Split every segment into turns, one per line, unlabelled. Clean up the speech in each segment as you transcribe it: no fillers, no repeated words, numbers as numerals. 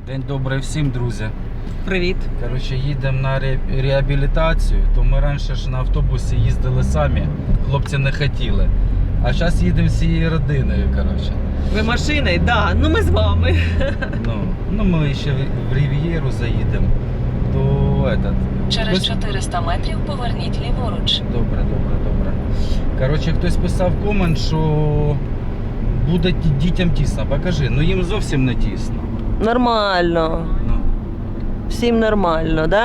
День добрий всім, друзі.
Привіт.
Коротше, їдемо на реабілітацію, то ми раніше ж на автобусі їздили самі, хлопці не хотіли. А зараз їдемо всією родиною, коротше.
Ви машиною? Да. Ну ми з вами.
Ну ми ще в Рів'єру заїдемо. То этот...
Через 400 метрів поверніть ліворуч.
Добре. Коротше, хтось писав комент, що буде дітям тісно. Покажи, ну їм зовсім не тісно.
Нормально.
Ну.
Всім нормально, да?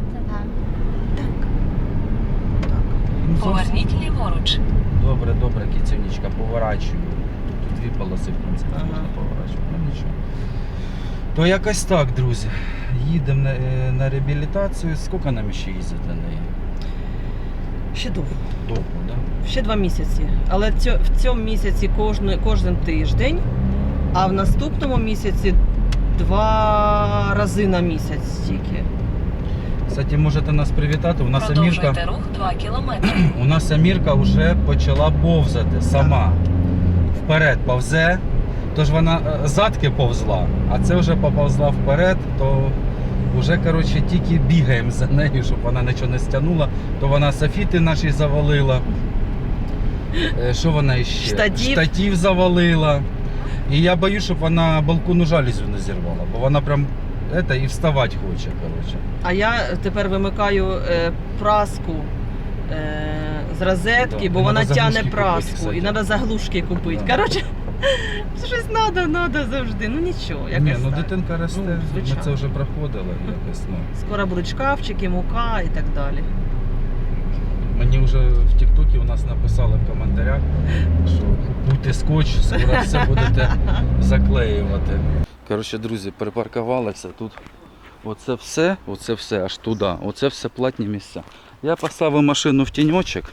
Їм зовсім...
Поверніть ліворуч.
Добре, кицюнечка, поворачую. Тут дві полоси, в принципі, можна поворачувати, ну нічого. То якось так, друзі. Їдемо на реабілітацію. Скільки нам ще їздити на неї?
Ще довго.
Довго, так? Да?
Ще 2 місяці. Але в цьому місяці кожен тиждень, а в наступному місяці 2 рази на місяць тільки.
Кстати, можете нас привітати. У нас
Продовжуйте рух 2 кілометри.
У нас Амірка вже почала повзати сама. Вперед повзе. Тож вона задки повзла, а це вже поповзла вперед, то вже, коротше, тільки бігаємо за нею, щоб вона нічого не стягнула. То вона софіти наші завалила. Що вона ще? Штатив завалила. І я боюсь, щоб вона балкону жалюзю не зірвала, бо вона прям і вставати хоче, коротше.
А я тепер вимикаю праску з розетки, бо вона тягне праску. І треба заглушки купити. Коротше, щось треба завжди. Ну нічого, якось
Ні, ну
так.
дитинка росте, ми це вже проходили якось.
Скоро будуть шкафчики, мука і так далі.
Мені вже в Тік-Токі у нас написали в коментарях, що купуйте скотч, скоро все будете заклеювати. Коротше, друзі, припаркувалися тут. Оце все аж туди. Оце все платні місця. Я поставив машину в тіньочок.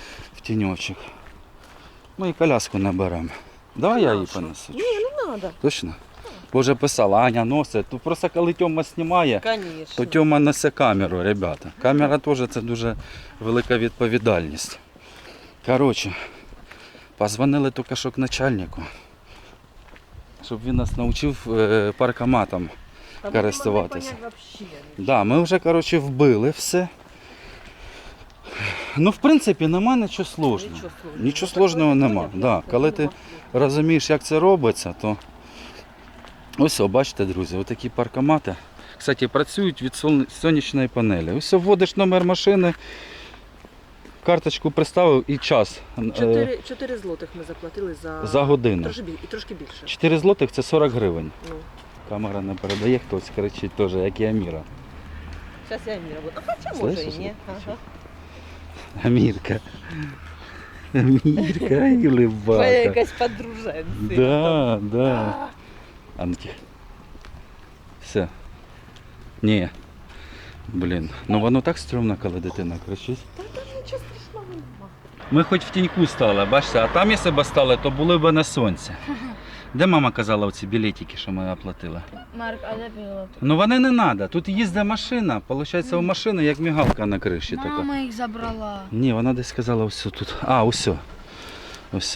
Ну і коляску наберемо. Давай я її понесу.
Ні, не треба.
Точно? Бо вже писала, Аня носить. Тут просто коли Тьома знімає, то Тьома несе камеру, ребята. Камера теж це дуже велика відповідальність. Коротше, позвонили тільки що к начальнику, щоб він нас навчив паркоматом користуватися. Да, ми вже, коротше, вбили все. Ну, в принципі, нема нічого складного. Нічого складного нема. Да, коли ти розумієш, як це робиться, то ось, бачите, друзі, отакі паркомати. Кстати, працюють від сонячної панелі. Ось вводиш номер машини, карточку приставив і час.
4 злотих ми заплатили
за годину.
І трошки більше.
4 злотих – це 40 гривень.
Ну.
Камера не передає, хтось кричить теж, як і Аміра.
Зараз я Аміра буду. А хоча може і ні. Ага.
Амірка, і улибака.
Ви якась подруженці.
Да. Анки. Все. Ні. Блін. Ну воно так стрьомно, коли дитина кричить.
Та нічого страшного нема.
Ми хоч в тіньку стали, бачите, а там якщо б стали, то були б на сонці. Де мама казала оці білетики, що ми оплатили?
Марк, а де білет?
Ну вони не треба. Тут їздить машина. Получається, у машини як мігалка на криші.
Мама їх забрала.
Ні, вона десь сказала ось тут. А, ось.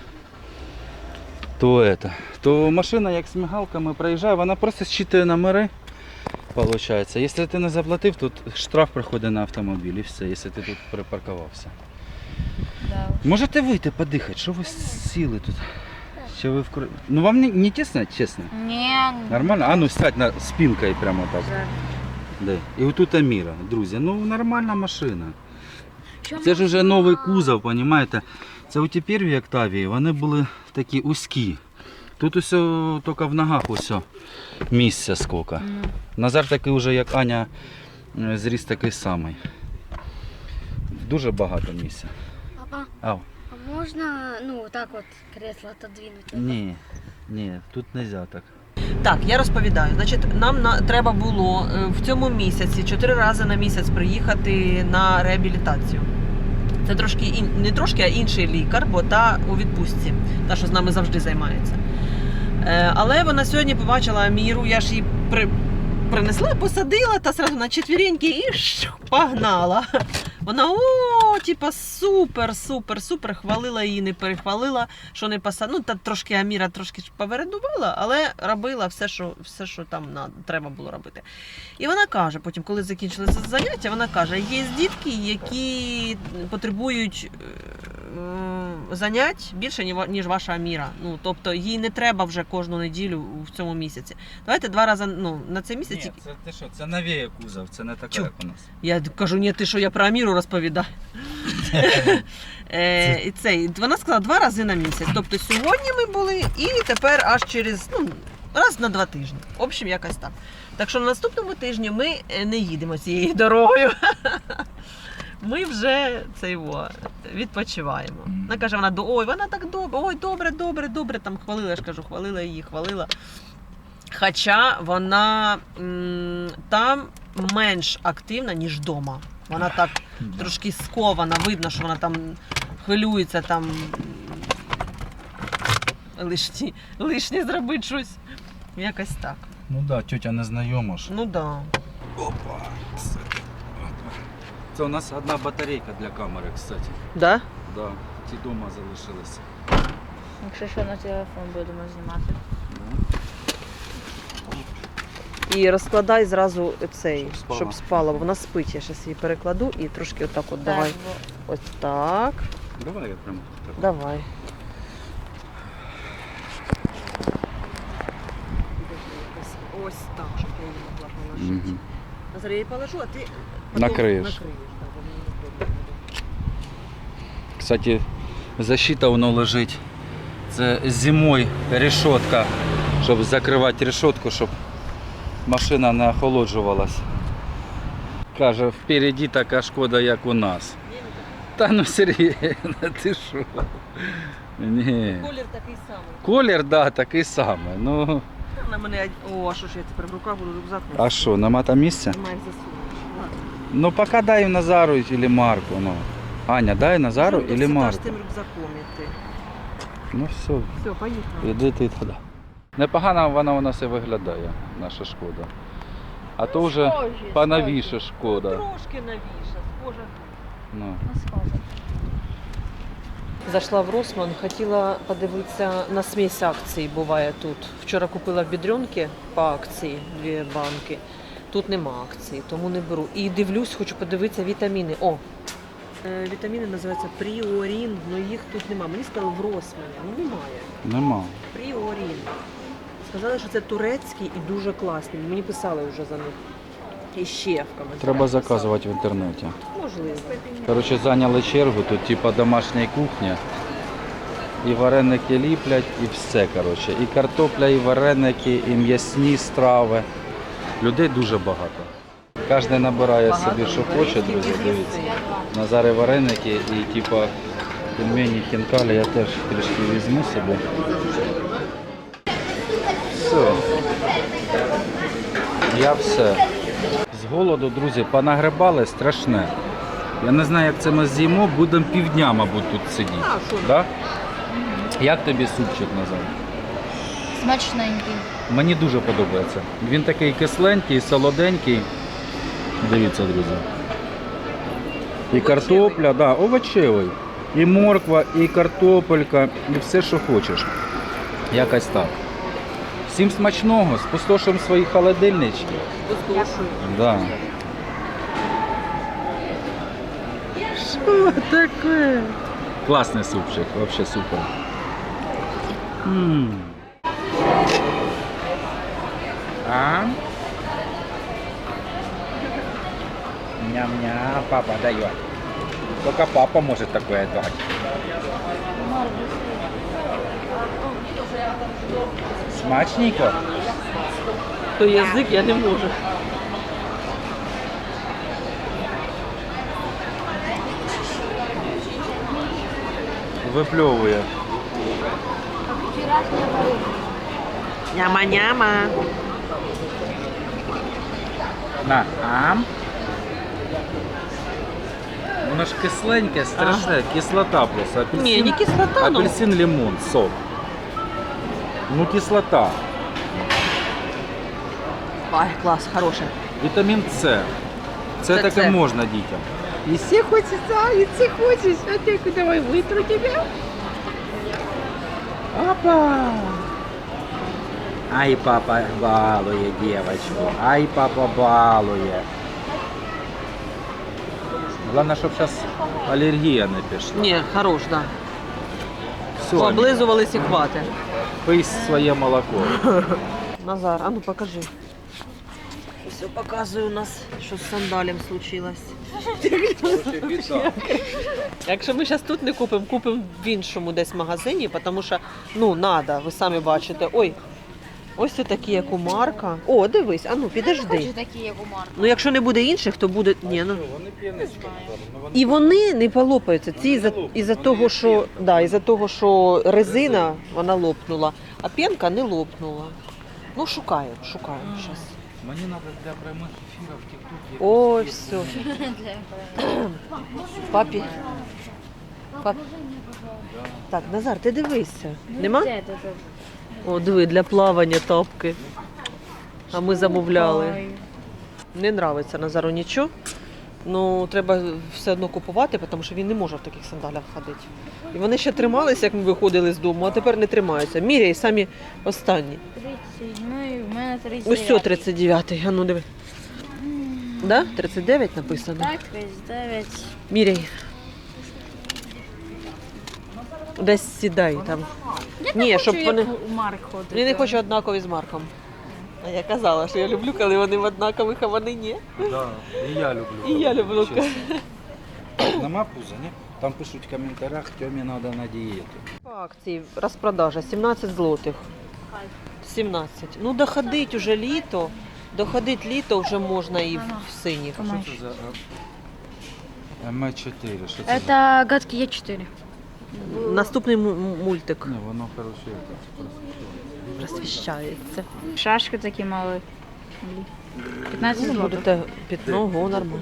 То машина як з мігалками проїжджає, вона просто зчитує номери. Получається. Якщо ти не заплатив, тут штраф приходить на автомобіль і все, якщо ти тут припаркувався.
Да.
Можете вийти подихати, що ви сіли тут? Що ви Ну вам не тісно, чесно?
Ні.
Нормально? А ну сядь на спинкою прямо так. Да. І отут Аміра, друзі, ну нормальна машина. Це ж вже новий кузов, розумієте? Це у ті перві Октавії, вони були такі узькі. Тут усе тільки в ногах усе місця скільки. Назар такий вже, як Аня, зріс такий самий. Дуже багато місця.
Папа,
Ау.
а можна, так от кресло отодвинути?
Ні, тут не можна так.
Так, я розповідаю. Значить, нам треба було в цьому місяці 4 рази на місяць приїхати на реабілітацію. Це трошки, не трошки, а інший лікар, бо та у відпустці, та, що з нами завжди займається. Але вона сьогодні побачила Аміру, я ж її принесла, посадила та сразу на четвереньки і погнала. Вона типа супер, хвалила її, не перехвалила, що не посадила. Ну, та трошки Аміра трошки повередувала, але робила все, що там треба було робити. І вона каже, потім, коли закінчилися заняття, вона каже, є дітки, які потребують занять більше, ніж ваша Аміра. Ну, тобто, їй не треба вже кожну неділю в цьому місяці. Давайте 2 рази, на цей місяць.
Ні, це ти що, це новіє кузов, це не таке, як у нас.
Я кажу, ні, ти що, я про Аміру розповідаю. Вона сказала 2 рази на місяць. Тобто сьогодні ми були і тепер аж через раз на 2 тижні. В общем, якось так. Так що на наступному тижні ми не їдемо цією дорогою. Ми вже відпочиваємо. Вона каже, вона так добре, добре, там хвалила, я ж кажу, хвалила. Хоча вона там менш активна, ніж вдома. Вона так трошки скована, видно, що вона там хвилюється, там лишнє зробити щось. Якось так.
Ну так, да, тьотя не знайома ж.
Ну да.
Опа. Це у нас одна батарейка для камери, кстати.
Да?
Да, ті дома залишилися.
Якщо що, на телефон будемо знімати.
І розкладай зразу
Щоб
щоб
спала.
спала, бо вона спить. Я зараз її перекладу і трошки отак от давай. Ось так.
Давай я прям так.
Давай. Ось так, щоб я її могла положити.
Угу.
Зараз я її положу, а ти
Накриєш. Кстати, защита воно лежить. Це зимою решетка, щоб закривати решетку, щоб машина не охолоджувалась. Каже, впереді така шкода, як у нас. Та ну серйозно, ти що? Ні.
Колір такий самий.
Колір, да, такий самий. Ну,
На мене, а що ж я тепер в руках буду рюкзак?
а що, нема там місця?
Немає засунути.
Ну, поки дай Назару или Марку. Ну. Аня, дай Назару или Марку.
з тим рюкзаком іти.
Ну все,
Все, поїхали.
іди ти туди. Непогано вона у нас і виглядає, наша шкода. А то вже поновіше шкода.
Трошки новіше, схоже.
Ну.
Зайшла в Росман, хотіла подивитися на смесь акцій, буває тут. Вчора купила в Бідрюнки по акції 2 банки. Тут нема акцій, тому не беру. І дивлюсь, хочу подивитися вітаміни. Вітаміни називаються Пріорін, але їх тут нема. Мені сказали в Росмані, немає.
Нема.
Пріорін. Сказали, що це турецький і дуже класний. Мені писали вже за них. І ще в коментарях.
Треба
писали.
заказувати в інтернеті.
Можливо.
Коротше, зайняли чергу, тут типа домашня кухня. І вареники ліплять, і все, коротше. І картопля, і вареники, і м'ясні страви. Людей дуже багато. Кожен набирає собі, що хоче, друзі, дивіться. Назари вареники і типа пельмені, хінкалі я теж трішки візьму собі. Все. Я все. З голоду, друзі, понагребали страшне. Я не знаю, як це ми з'їмо, будемо півдня, мабуть, тут сидіти. Да? Як тобі супчик, Назар?
Смачненький.
Мені дуже подобається. Він такий кисленький, солоденький. Дивіться, друзі. І картопля, да, овочевий. І морква, і картопелька, і все, що хочеш. Якось так. Всім смачного, спустошуємо свої холодильнички.
Послушаю.
Да. Що таке? Класний супчик, взагалі супер. А? Ням-ням, папа дает. Только папа может такое дать. Смачненько?
То язик я не можу.
Випльовує.
Няма-няма.
На, ам. Воно ж кисленьке, страшне, кислота просто. Апельсин,
Ні, не кислота, ну.
апельсин, лимон, сок. Ну кислота.
Ай, клас, хороше.
Вітамін С. Це таке
Це.
можна дітям. И все хочется, и все хочешь. А ты давай вытру тебя. Опа! Ай, папа балує девочку. Ай, папа балує. Главное, щоб зараз алергія не пішла.
Ні, хорош, так.
Все,
Да. Облизувались і хвати.
пий своє молоко.
Назар, а ну покажи. Все показує у нас, що з сандалем случилось. Якщо ми зараз тут не купимо, купимо в іншому десь магазині, тому що, ну, треба, ви самі бачите. Ой, ось це такі, як у Марка. О, дивись, а ну, підожди.
Хочу такі, як у Марка.
Ну, якщо не буде інших, то буде... Ні, ну.
Вони п'янички.
І вони не полопаються. Ці із-за того, що, да, із-за того, що резина, вона лопнула, а п'янка не лопнула. Ну, шукаємо зараз.
Мені треба для прямих ефірів в ТикТокі.
Ой, все. Папі. Так, Назар, ти дивися. Нема? О, диви, для плавання тапки. А ми замовляли. Не нравиться Назару нічого. Ну, треба все одно купувати, тому що він не може в таких сандалях ходити. І вони ще трималися, як ми виходили з дому, а тепер не тримаються. Міряй самі останні.
37, в мене 39.
Ось цього 39-й, а ну диви. Да? 39 написано.
Так, 39.
Міряй. Десь сідай там. Ні, щоб вони...
у Марк ходить.
Я не хочу однакові з Марком. А я казала, що я люблю, коли вони в однакових, а вони ні.
Да, і я люблю.
І я люблю.
Чесно. Нема пуза, ні? Там пишуть в коментарях, Тьомі треба на дієту.
По акції розпродажа 17 злотих. 17. Ну доходить уже літо. Доходить літо вже можна і в синіх.
Що це за М4? Що це за?
Это гадкий Е4.
Наступний мультик
Ні, воно, коротше, це
просвіщається.
Шашки такі мали. 15
Ну,
злотих.
будете під ногу, нормально.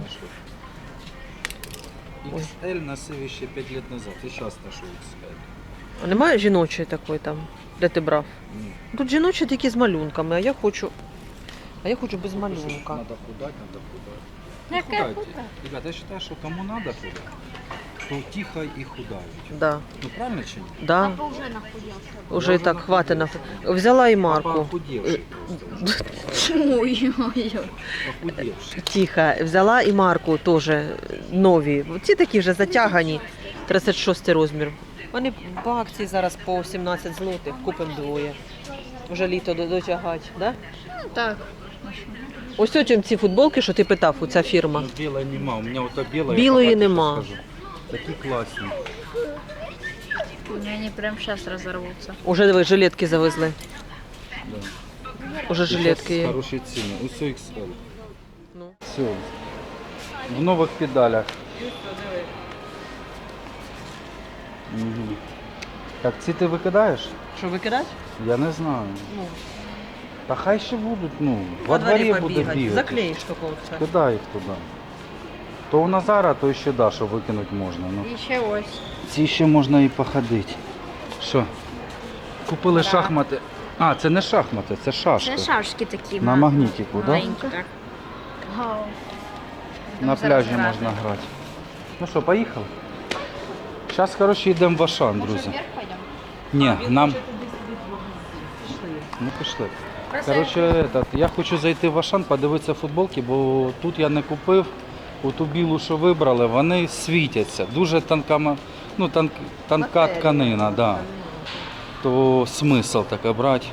XL носив ще 5 років назад, і зараз ношу XL.
А немає жіночої такої там, де ти брав?
Ні.
Тут жіночі такі з малюнками, а я хочу без малюнка.
Надо худать, надо худать.
Яке
Худайте. Ребята, я считаю, что кому надо худать, то тихо и худают.
Да,
Ну правильно чи ні?
да.
Папа вже нахудів.
Уже і так, хватить на... Взяла і
Папа
Марку.
охудевший просто.
Ой-ой-ой.
Охудевший.
Тихо, взяла і Марку теж нові. Ці такі вже затягані, 36 розмір. Вони по акції зараз по 17 злотих, купимо двоє. Вже літо дотягати, да?
Ну так.
Ось потім ці футболки, що ти питав, у ця фірма.
Ну, белой нема, у меня вот та белая.
Білої
я по
нема.
скажу. Такі класні.
Они прям сейчас разорвутся.
Уже диви, жилетки завезли.
Да.
Уже жилетки є.
Хороші ціни. Усе XL.
Ну.
Все. В нових педалях. Угу. Так, ці ти викидаєш?
Що, викидати?
Я не знаю.
Ну,
Та хай ще будуть, ну,
во
во
дворі
дворі буде
побігати.
бігати.
Заклеїш тако все.
Кидай їх туди. То у Назара, то ще да, що викинути можна. Ну.
І ще ось.
Ці ще можна і походити. Що? Купили
Да.
шахмати. А, це не шахмати, це шашки.
Це шашки такі.
На магнітику, так? Да?
Маленькі, так. Вау.
На
Зараз
пляжі
грати.
можна грати. Ну що, поїхали? Зараз, коротше, йдемо в Ашан, друзі.
Вверх пойдемо?
Ні, нам... Ну пішли. Коротше, я хочу зайти в Ашан, подивитися футболки, бо тут я не купив. Оту білу, що вибрали, вони світяться. Дуже тонка, ну, тонка тканина, да. То смисл таке брати.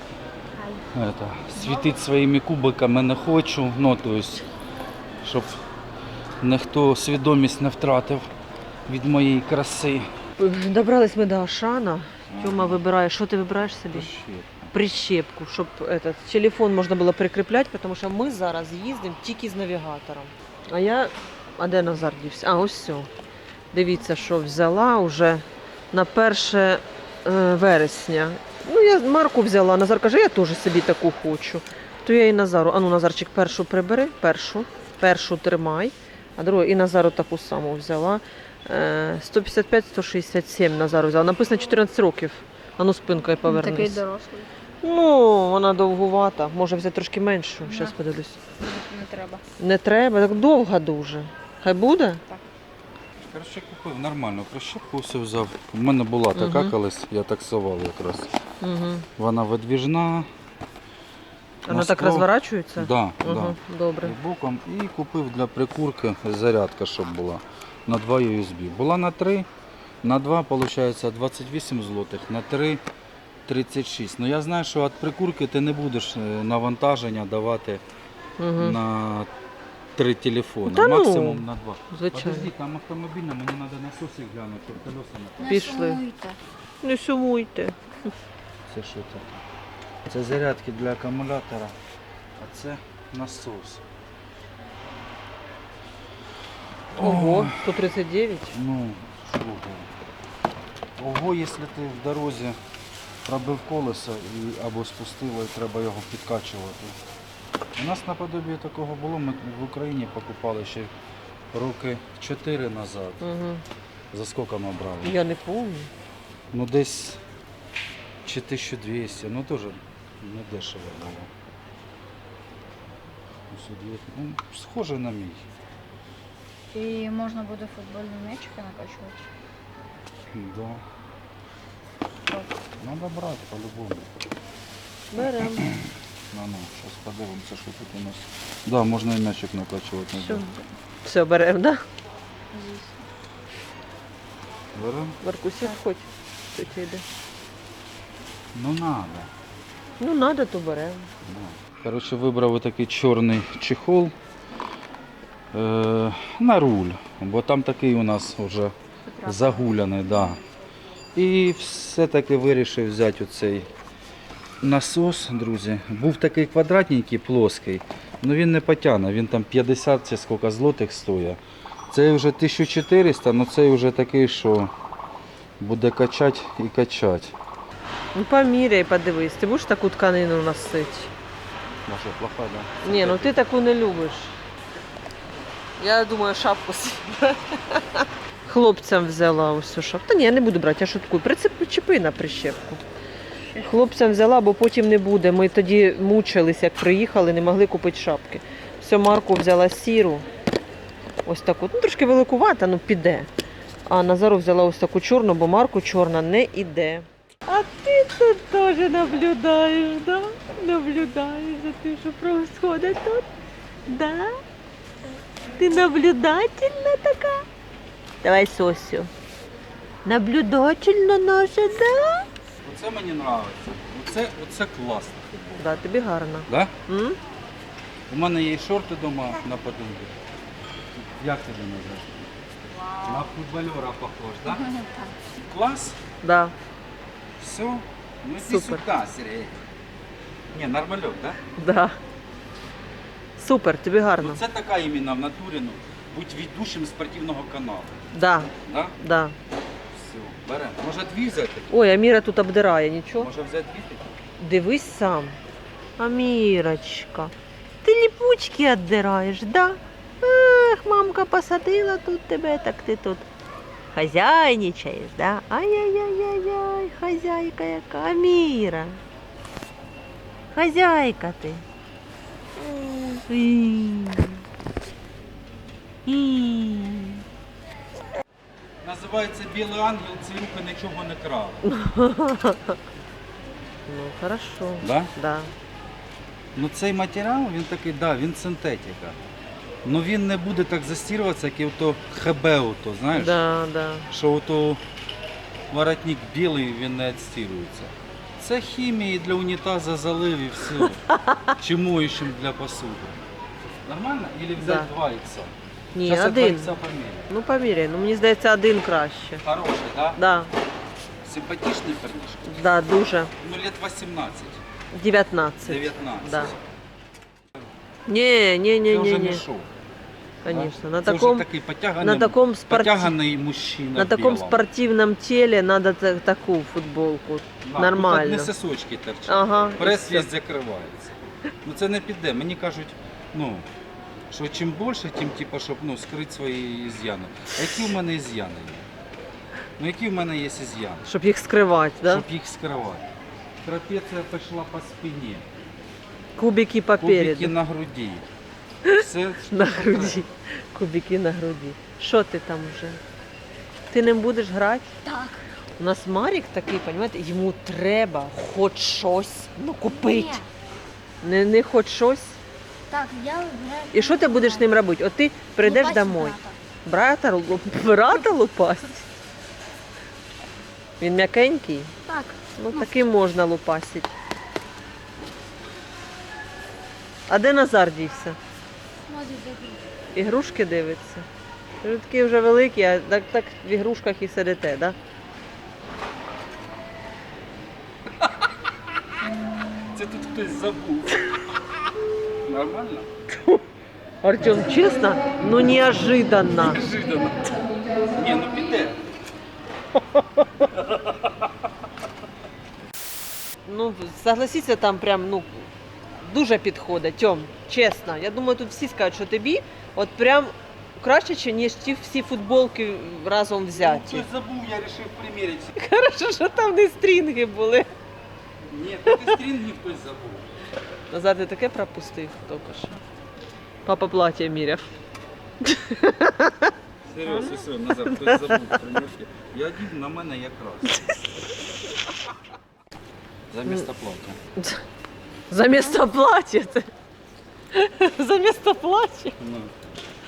Світити своїми кубиками не хочу, ну, то есть, щоб ніхто свідомість не втратив від моєї краси.
Добрались ми до Ашана. Тьома вибирає, що ти вибираєш собі? Прищепку, щоб телефон можна було прикріпляти, тому що ми зараз їздимо тільки з навігатором. А де Назар дівся? А, ось все. Дивіться, що взяла вже на 1 вересня. Ну, я Марку взяла, Назар каже, я теж собі таку хочу. То я і Назару, Назарчик, першу прибери, першу тримай, а другу і Назару таку саму взяла. 155-167 Назару взяла. Написано 14 років. Ану спинкою повернись.
Такий дорослий.
Ну, вона довгувата. Може взяти трошки меншу. Зараз подивлюсь.
Не треба.
Не треба, так довга дуже. Хай буде?
Коротше, купив нормально, прищепку все взяв. У мене була така колись, я таксував якраз.
Угу.
Вона видвіжна.
Воно так розворачується?
Да,
Угу.
да.
Добре.
І боком. І купив для прикурки зарядка, щоб була. На 2 USB. Була на 3, на 2, виходить, 28 злотих, на 3 36. Ну я знаю, що від прикурки ти не будеш навантаження давати
Угу.
на 3 телефони.
Та ну,
Максимум на 2.
Звичайно.
Подожди, там автомобільна, мені треба насоси глянути, щоб колеса не.
Пішли.
Сумуйте.
Не сумуйте.
Це що таке? Це зарядки для акумулятора, а це насос.
Ого, 139.
Ну, що ви? Ого, якщо ти в дорозі пробив колесо або спустило і треба його підкачувати. У нас наподобі такого було, ми в Україні покупали ще роки 4 назад.
Угу.
За скільки ми брали?
Я не пам'ятаю.
Ну десь чи 1200, ну теж не дешево було. Ну, схоже на мій.
І можна буде футбольні м'ячики накачувати.
Да. Надо брати по-любому.
Беремо.
Ну, зараз подивимося, що тут у нас. Да, можна і м'ячик накачувати.
Все. Все, беремо, так? Да?
Беремо?
Маркусик, хоч. Що тебе йде?
Ну надо.
Ну, треба, то беремо.
Коротше, вибрав такий чорний чехол на руль, бо там такий у нас вже загуляний. Да. І все-таки вирішив взяти оцей насос, друзі. Був такий квадратненький, плоский, але він не потягне, він там 50 чи скільки злотих стоїть. Цей вже 1400, але цей вже такий, що буде качати і качати.
Ну, поміряй, подивись. Ти будеш таку тканину носити?
Ну що, плоха, да?
Ні, ну ти таку не любиш. Я думаю, шапку собі. Хлопцям взяла ось цю шапку. Та ні, я не буду брати, я шуткую. Причепи на прищепку. Хлопцям взяла, бо потім не буде. Ми тоді мучились, як приїхали, не могли купити шапки. Все, Марку взяла сіру. Ось таку. Ну, трошки великувата, ну піде. А Назару взяла ось таку чорну, бо Марку чорна не іде. А ти тут теж наблюдаєш, да? Наблюдаєш за тим, що происходит тут? Да? Ти наблюдательна така? Давай сосю. Наблюдательна наша, да?
Оце мені подобається. Оце класно.
Да, тобі гарно.
Да?
М?
У мене є шорти вдома на подруги. Як тебе називаєш? На футбольора похож, да? Клас?
Да.
Все. Ну иди
Супер.
сюда, Сергей. Не, нормальок, да?
Да. Супер, тобі гарно.
Ну, це така іменно в натурі, ну, будь ведучим спортивного каналу.
Да,
Да?
да.
Все, беремо. Може дві взяти?
Ой, Аміра тут обдирає, нічого.
Може взяти дві?
Дивись сам. Амірочка, ти ліпучки віддираєш, да? Ах, мамка посадила тут тебе, так ти тут хазяйничаєш, да? Ай-яй-яй-яй-яй, хазяйка яка. Аміра. Хазяйка ти.
Називається Білий ангел, ці руки нічого не крали.
Ну, хорошо.
Да?
Да.
Ну цей матеріал, він такий, да, він синтетика. Ну він не буде так застірюватися, як і ото ХБ, ото, знаєш?
Да, да.
Що ото воротник білий, він не відстірується. Це хімії для унітаза залив і все. Чи моющим для посуди. Нормально? Или взяти
Да.
2 ікса?
Ні,
Щас я 2
один.
ікса поміряю.
Ну, поміряй. Ну, мені здається, один краще.
Хороший, да?
Да,
Симпатичний парнішка?
да, дуже.
Ну, лет 18,
19.
19.
Да. Ні, ні, ні,
Це вже
ні,
не
ні.
шоу.
Конечно. На
Це
таком,
вже такий
на таком,
потяганий мужчина
на
в
таком
білому.
спортивном теле надо таку футболку.
Да,
Нормально.
Тут одні сосочки торчать.
Ага. і
Прес
все.
весь закривається. Ну це не піде. Мені кажуть, ну, що чим більше, тим типу, щоб ну, скрити свої із'яни. А які в мене із'яни є? Ну які в мене є із'яни?
Щоб їх скривати, да?
Щоб їх скривати. Трапеція пішла по спині,
Кубики
кубики
попереду.
на груді. Все
На груді. Кубики на груді. Що ти там вже? Ти ним будеш грати?
Так.
У нас Марік такий, розумієте, йому треба хоч щось купити.
Ні.
Не хоч щось.
Так, я вибираю.
І що ти будеш з ним робити? От ти прийдеш
Лупасить
домой.
брата.
Брата лупасить? Він м'якенький?
Так.
Ну таким можна лупасити. А де Назар дівся?
Смотри, дивись.
Ігрушки дивиться. Ви такі вже великі, а так в ігрушках і сидите, так?
Це тут хтось забув. Нормально?
Артем, чесно, ну неожиданно.
Неожиданно. Ні, ну піде.
Ну, согласіться, там прям, ну, дуже підходить, Тьом, чесно. Я думаю, тут всі скажуть, що тобі от прям краще, ніж ті всі футболки разом взяті.
Хтось забув, я вирішив приміряти.
Хорошо, що там не стрінги були.
Ні, тут і стрінги хтось забув.
Назар, ти таке пропустив тільки що. Папа плаття міряв.
Серйозно, все, Назар, хтось забув примірки. Я дів на мене якраз. Замісто плаття.
Замісто плаття ти. Замісто плаття.
Ну.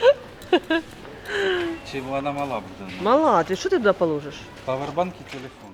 Чи вона мала буде?
Мала, ти що ти туди положиш?
Павербанк і телефон.